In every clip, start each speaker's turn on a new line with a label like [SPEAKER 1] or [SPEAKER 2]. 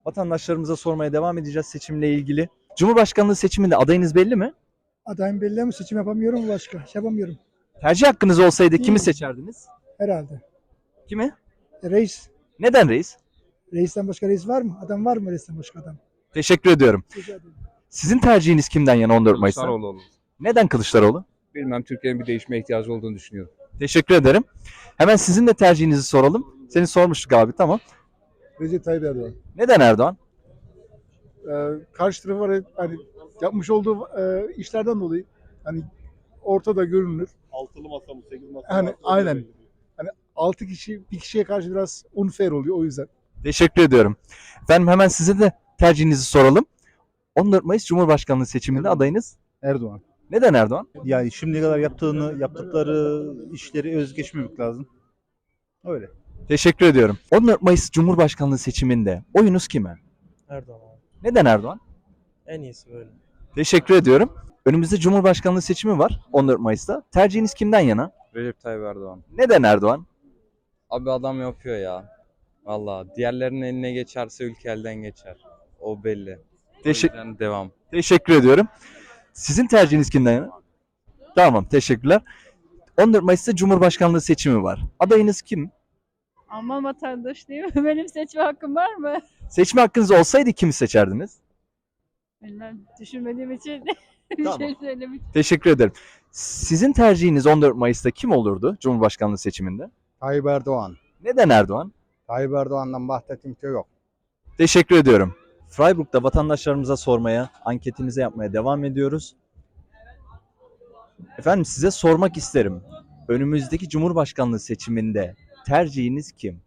[SPEAKER 1] Vatandaşlarımıza sormaya devam edeceğiz seçimle ilgili. Cumhurbaşkanlığı seçiminde adayınız belli mi?
[SPEAKER 2] Adayım belli ama seçim yapamıyorum başka. Şey yapamıyorum
[SPEAKER 1] Tercih hakkınız olsaydı kimi seçerdiniz?
[SPEAKER 2] herhalde.
[SPEAKER 1] Kimi?
[SPEAKER 2] Reis.
[SPEAKER 1] Neden reis?
[SPEAKER 2] Reisten başka reis var mı? Adam var mı reisten başka adam?
[SPEAKER 1] Teşekkür ediyorum.
[SPEAKER 2] Rica ederim.
[SPEAKER 1] Sizin tercihiniz kimden yana 14 Mayıs'ta?
[SPEAKER 3] Kılıçdaroğlu olur.
[SPEAKER 1] Neden Kılıçdaroğlu?
[SPEAKER 3] Bilmem, Türkiye'nin bir değişme ihtiyacı olduğunu düşünüyorum.
[SPEAKER 1] Teşekkür ederim. Hemen sizin de tercihinizi soralım. Seni sormuştuk abi, tamam.
[SPEAKER 4] Recep Tayyip Erdoğan.
[SPEAKER 1] Neden Erdoğan?
[SPEAKER 4] Karşı tarafı hani yapmış olduğu işlerden dolayı hani ortada görünür.
[SPEAKER 5] Altılı masa mı, 8 masa mı?
[SPEAKER 4] Hani aynen. Hani 6 kişi bir kişiye karşı biraz unfair oluyor o yüzden.
[SPEAKER 1] Teşekkür ediyorum. Efendim hemen size de tercihinizi soralım. 14 Mayıs Cumhurbaşkanlığı seçiminde adayınız
[SPEAKER 6] Erdoğan.
[SPEAKER 1] neden Erdoğan?
[SPEAKER 6] Yani şimdiye kadar yaptıkları işleri özgeçmemek lazım. Öyle.
[SPEAKER 1] Teşekkür ediyorum. 14 Mayıs Cumhurbaşkanlığı seçiminde oyunuz kime?
[SPEAKER 7] Erdoğan abi.
[SPEAKER 1] Neden Erdoğan?
[SPEAKER 7] En iyisi böyle.
[SPEAKER 1] Teşekkür ediyorum. Önümüzde Cumhurbaşkanlığı seçimi var 14 Mayıs'ta. Tercihiniz kimden yana?
[SPEAKER 8] Recep Tayyip Erdoğan.
[SPEAKER 1] Neden Erdoğan?
[SPEAKER 8] Abi adam yapıyor ya. Valla diğerlerinin eline geçerse ülke elden geçer. O belli. O yüzden devam.
[SPEAKER 1] Teşekkür ediyorum. Sizin tercihiniz kimden yana? Tamam, teşekkürler. 14 Mayıs'ta Cumhurbaşkanlığı seçimi var. Adayınız kim?
[SPEAKER 9] Alman vatandaşıyım. Benim seçme hakkım var mı?
[SPEAKER 1] Seçme hakkınız olsaydı kimi seçerdiniz?
[SPEAKER 9] Bilmem. Düşünmediğim için
[SPEAKER 1] Tamam.
[SPEAKER 9] bir şey söylemek.
[SPEAKER 1] Teşekkür ederim. Sizin tercihiniz 14 Mayıs'ta kim olurdu Cumhurbaşkanlığı seçiminde?
[SPEAKER 6] Tayyip Erdoğan.
[SPEAKER 1] Neden Erdoğan?
[SPEAKER 6] Tayyip Erdoğan'dan bahsettiğim şey yok.
[SPEAKER 1] Teşekkür ediyorum. Freiburg'da vatandaşlarımıza sormaya, anketimize yapmaya devam ediyoruz. Efendim size sormak isterim. Önümüzdeki Cumhurbaşkanlığı seçiminde tercihiniz kim?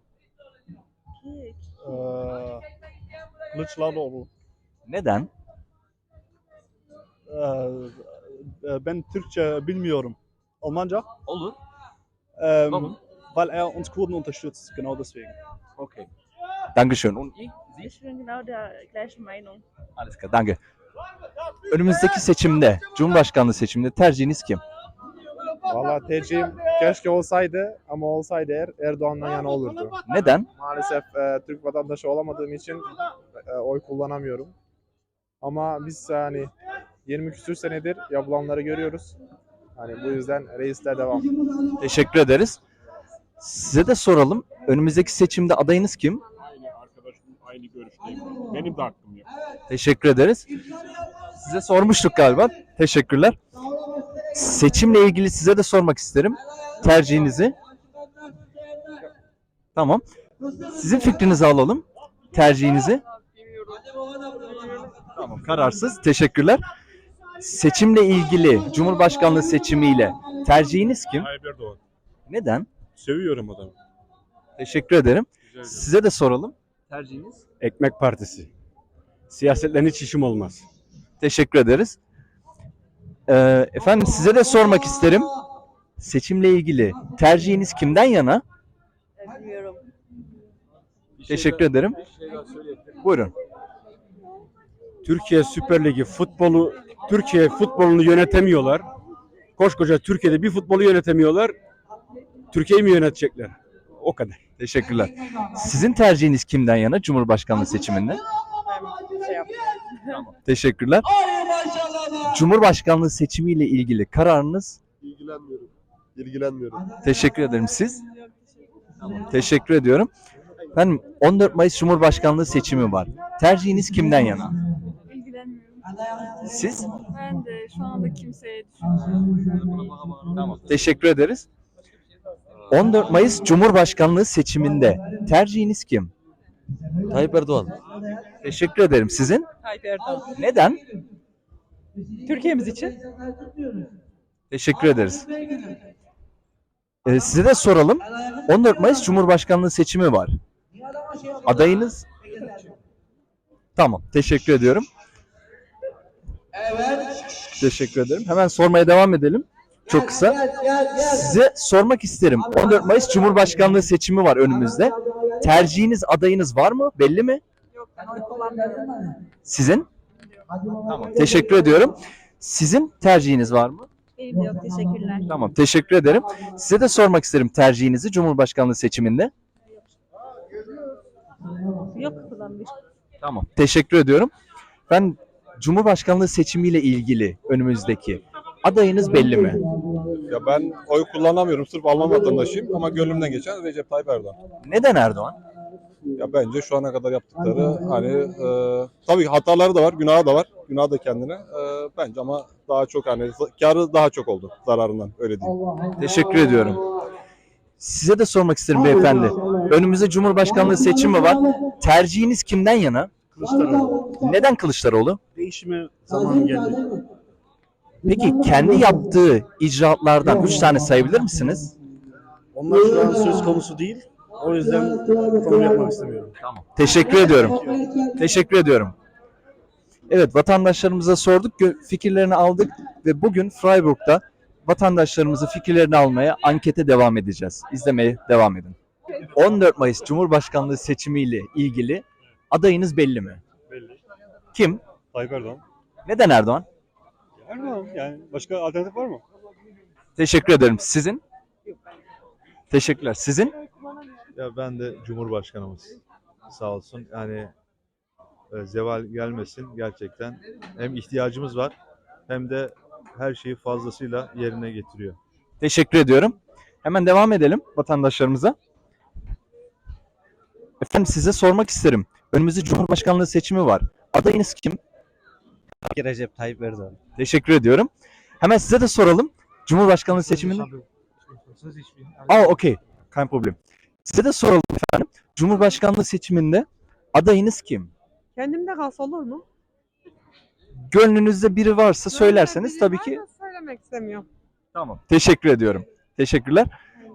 [SPEAKER 5] Kılıçdaroğlu.
[SPEAKER 1] Neden?
[SPEAKER 5] Ben Türkçe bilmiyorum. Almanca?
[SPEAKER 1] Olur.
[SPEAKER 5] Warum? Weil er uns Kurden unterstützt, genau deswegen.
[SPEAKER 1] Okay. Dankeschön. Und
[SPEAKER 9] Ich bin genau der gleichen Meinung.
[SPEAKER 1] Alles klar, danke. Önümüzdeki seçimde, Cumhurbaşkanlığı seçiminde tercihiniz kim?
[SPEAKER 10] Valla tercihim keşke olsaydı ama olsaydı Erdoğan'dan yana olurdu.
[SPEAKER 1] Neden?
[SPEAKER 10] Maalesef Türk vatandaşı olamadığım için oy kullanamıyorum. Ama biz hani 20 küsür senedir yapılanları görüyoruz. Hani bu yüzden reisler devam.
[SPEAKER 1] Teşekkür ederiz. Size de soralım. Önümüzdeki seçimde adayınız kim?
[SPEAKER 5] Aynı arkadaşım, aynı görüşteyim. Benim de hakkım yok.
[SPEAKER 1] Teşekkür ederiz. Size sormuştuk galiba. Teşekkürler. Seçimle ilgili size de sormak isterim. Tercihinizi. Tamam. Sizin fikrinizi alalım. Tercihinizi. Tamam, kararsız. Teşekkürler. Seçimle ilgili, Cumhurbaşkanlığı seçimiyle tercihiniz kim?
[SPEAKER 5] Tayyip Erdoğan.
[SPEAKER 1] Neden?
[SPEAKER 5] Seviyorum adamı.
[SPEAKER 1] Teşekkür ederim.
[SPEAKER 5] Rica ederim.
[SPEAKER 1] Size de soralım. Tercihiniz?
[SPEAKER 11] Ekmek Partisi. Siyasetle hiç işim olmaz.
[SPEAKER 1] Teşekkür ederiz. Efendim size de sormak isterim. Seçimle ilgili tercihiniz kimden yana?
[SPEAKER 9] Bilmiyorum.
[SPEAKER 1] Teşekkür ederim. Buyurun.
[SPEAKER 11] Türkiye Süper Ligi Türkiye futbolunu yönetemiyorlar. Koskoca Türkiye'de bir futbolu yönetemiyorlar. Türkiye'yi mi yönetecekler? O kadar.
[SPEAKER 1] Teşekkürler. Sizin tercihiniz kimden yana Cumhurbaşkanlığı seçiminde? Teşekkürler. Cumhurbaşkanlığı seçimiyle ilgili kararınız?
[SPEAKER 5] İlgilenmiyorum. İlgilenmiyorum.
[SPEAKER 1] Teşekkür ederim. Siz? Teşekkür ediyorum. Efendim 14 Mayıs Cumhurbaşkanlığı seçimi var. Tercihiniz kimden yana?
[SPEAKER 9] İlgilenmiyorum.
[SPEAKER 1] Siz?
[SPEAKER 9] Ben de şu anda kimseye düşünmüyorum.
[SPEAKER 1] Tamam. Teşekkür ederiz. 14 Mayıs Cumhurbaşkanlığı seçiminde tercihiniz kim?
[SPEAKER 7] Tayyip Erdoğan.
[SPEAKER 1] Teşekkür ederim. Sizin?
[SPEAKER 9] Tayyip Erdoğan.
[SPEAKER 1] Neden?
[SPEAKER 9] Türkiye'miz için.
[SPEAKER 1] Teşekkür ederiz. Size de soralım. 14 Mayıs Cumhurbaşkanlığı seçimi var. Adayınız? Tamam. Teşekkür ediyorum. Teşekkür ederim. Hemen sormaya devam edelim. Çok kısa. Size sormak isterim. 14 Mayıs Cumhurbaşkanlığı seçimi var önümüzde. Tercihiniz, adayınız var mı? Belli mi?
[SPEAKER 9] Yok, ben oy kullanmıyorum.
[SPEAKER 1] Sizin? Tamam. Teşekkür ediyorum. Sizin tercihiniz var mı?
[SPEAKER 9] Benim de yok, teşekkürler.
[SPEAKER 1] Tamam. Teşekkür ederim. Size de sormak isterim tercihinizi Cumhurbaşkanlığı seçiminde.
[SPEAKER 9] Yok kullanmıyorum.
[SPEAKER 1] Tamam. Teşekkür ediyorum. Ben Cumhurbaşkanlığı seçimiyle ilgili önümüzdeki adayınız belli mi?
[SPEAKER 10] Ya ben oy kullanamıyorum. Sırf Alman vatandaşıyım ama gönlümden geçen Recep Tayyip Erdoğan.
[SPEAKER 1] Neden Erdoğan?
[SPEAKER 10] Ya bence şu ana kadar yaptıkları tabii hataları da var, günahı da var. Günahı da kendine. Bence ama daha çok karı daha çok oldu zararından öyle diyeyim.
[SPEAKER 1] Teşekkür ediyorum. Size de sormak isterim beyefendi. Önümüzde Cumhurbaşkanlığı seçimi var. Tercihiniz kimden yana?
[SPEAKER 6] Kılıçdaroğlu.
[SPEAKER 1] Neden Kılıçdaroğlu?
[SPEAKER 6] Değişime zamanı geldi.
[SPEAKER 1] Peki kendi yaptığı icraatlardan 3 tane sayabilir misiniz?
[SPEAKER 6] Onlar şu an söz konusu değil. O yüzden konu yapmak istemiyorum.
[SPEAKER 1] Teşekkür ediyorum. Teşekkür ediyorum. Evet, vatandaşlarımıza sorduk, fikirlerini aldık ve bugün Freiburg'da vatandaşlarımızın fikirlerini almaya, ankete devam edeceğiz. İzlemeye devam edin. 14 Mayıs Cumhurbaşkanlığı seçimiyle ilgili adayınız belli mi?
[SPEAKER 11] Belli.
[SPEAKER 1] Kim?
[SPEAKER 11] Tayyip Erdoğan.
[SPEAKER 1] Neden Erdoğan?
[SPEAKER 11] Erdoğan yani başka alternatif var mı?
[SPEAKER 1] Teşekkür ederim. Sizin? Teşekkürler. Sizin?
[SPEAKER 12] Ya ben de Cumhurbaşkanımız sağ olsun. Yani zeval gelmesin gerçekten. Hem ihtiyacımız var hem de her şeyi fazlasıyla yerine getiriyor.
[SPEAKER 1] Teşekkür ediyorum. Hemen devam edelim vatandaşlarımıza. Efendim size sormak isterim. Önümüzde Cumhurbaşkanlığı seçimi var. Adayınız kim?
[SPEAKER 6] Recep Tayyip Erdoğan.
[SPEAKER 1] Teşekkür ediyorum. Hemen size de soralım. Cumhurbaşkanlığı seçiminde... Okey. Kein problem. Size de soralım efendim. Cumhurbaşkanlığı seçiminde adayınız kim?
[SPEAKER 9] Kendimde kalsa olur mu?
[SPEAKER 1] Gönlünüzde biri varsa söylerseniz tabii ki...
[SPEAKER 9] Söylemek istemiyorum.
[SPEAKER 1] Tamam. Teşekkür ediyorum. Teşekkürler.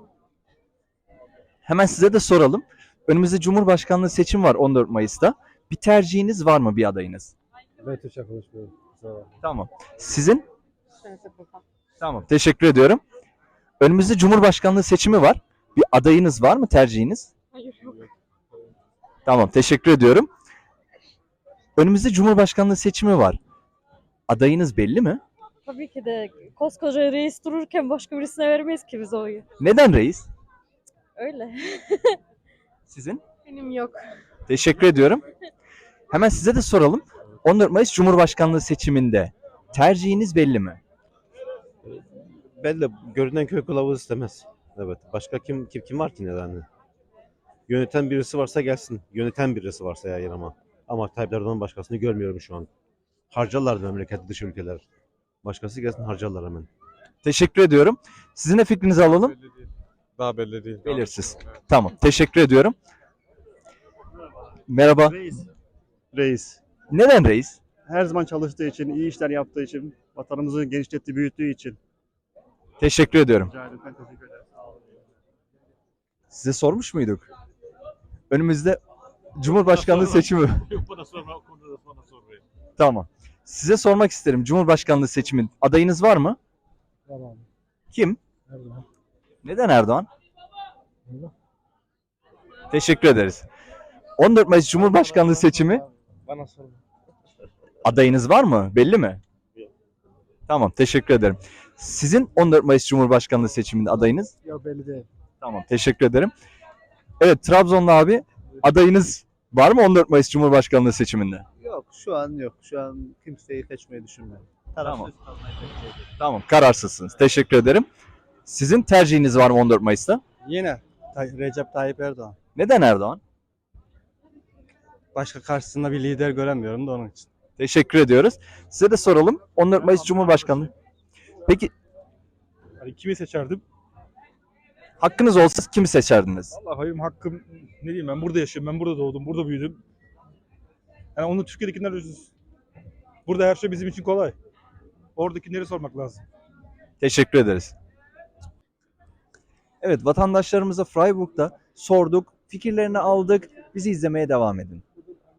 [SPEAKER 1] Hemen size de soralım. Önümüzde Cumhurbaşkanlığı seçim var 14 Mayıs'ta. Bir tercihiniz var mı, bir adayınız?
[SPEAKER 11] Ben Türkçe konuşmuyorum.
[SPEAKER 1] Tamam. Sizin? Tamam. Teşekkür ediyorum. Önümüzde Cumhurbaşkanlığı seçimi var. Bir adayınız var mı, tercihiniz?
[SPEAKER 9] Hayır yok.
[SPEAKER 1] Tamam. Teşekkür ediyorum. Önümüzde Cumhurbaşkanlığı seçimi var. Adayınız belli mi?
[SPEAKER 9] Tabii ki de koskoca reis dururken başka birisine vermeyiz ki biz oyu.
[SPEAKER 1] Neden reis?
[SPEAKER 9] Öyle.
[SPEAKER 1] Sizin?
[SPEAKER 9] Benim yok.
[SPEAKER 1] Teşekkür ediyorum. Hemen size de soralım. 14 Mayıs Cumhurbaşkanlığı seçiminde tercihiniz belli mi?
[SPEAKER 6] Belli. Görünen köy kılavuz istemez. Evet. Başka kim var ki neden? Yöneten birisi varsa gelsin. Yöneten birisi varsa ya ama. Ama Tayyip Erdoğan'ın başkasını görmüyorum şu an. Harcarlar memleketi dışı ülkeler. Başkası gelsin harcarlar hemen.
[SPEAKER 1] Teşekkür ediyorum. Sizin de fikrinizi alalım.
[SPEAKER 10] Daha belli değil.
[SPEAKER 1] Belirsiz. Tamam. Teşekkür ediyorum. Merhaba.
[SPEAKER 5] Reis.
[SPEAKER 1] Neden reis?
[SPEAKER 5] Her zaman çalıştığı için, iyi işler yaptığı için, vatanımızı genişlettiği, büyüttüğü için.
[SPEAKER 1] Teşekkür ediyorum.
[SPEAKER 5] Rica ederim. Ben teşekkür ederim.
[SPEAKER 1] Size sormuş muyduk? Önümüzde Cumhurbaşkanlığı seçimi.
[SPEAKER 11] Bana sorma, o konuda da bana sormayın.
[SPEAKER 1] Tamam. Size sormak isterim. Cumhurbaşkanlığı seçimin adayınız var mı?
[SPEAKER 2] Tamam.
[SPEAKER 1] Kim?
[SPEAKER 2] Erdoğan.
[SPEAKER 1] Neden Erdoğan? Teşekkür ederiz. 14 Mayıs Cumhurbaşkanlığı seçimi
[SPEAKER 5] Bana sorma.
[SPEAKER 1] adayınız var mı? Belli mi? Tamam. Teşekkür ederim. Sizin 14 Mayıs Cumhurbaşkanlığı seçiminde adayınız?
[SPEAKER 2] Yok belli değil.
[SPEAKER 1] Tamam. Teşekkür ederim. Evet, Trabzonlu abi, adayınız var mı 14 Mayıs Cumhurbaşkanlığı seçiminde?
[SPEAKER 6] Yok şu an yok. Şu an kimseyi seçmeyi düşünmüyorum.
[SPEAKER 1] Tamam. Tamam. Kararsızsınız. Teşekkür ederim. Sizin tercihiniz var mı 14 Mayıs'ta?
[SPEAKER 7] Yine Recep Tayyip Erdoğan.
[SPEAKER 1] Neden Erdoğan?
[SPEAKER 7] Başka karşısında bir lider göremiyorum da onun için.
[SPEAKER 1] Teşekkür ediyoruz. Size de soralım. 14 Mayıs Cumhurbaşkanlığı. Peki
[SPEAKER 11] Hani kimi seçerdim?
[SPEAKER 1] hakkınız olsa kimi seçerdiniz?
[SPEAKER 11] Allah benim hakkım ne diyeyim, ben burada yaşıyorum, ben burada doğdum, burada büyüdüm. Yani onu Türkiye'dekiler üzüz. Burada her şey bizim için kolay. Oradakileri sormak lazım.
[SPEAKER 1] Teşekkür ederiz. Evet, vatandaşlarımıza Freiburg'da sorduk, fikirlerini aldık. Bizi izlemeye devam edin.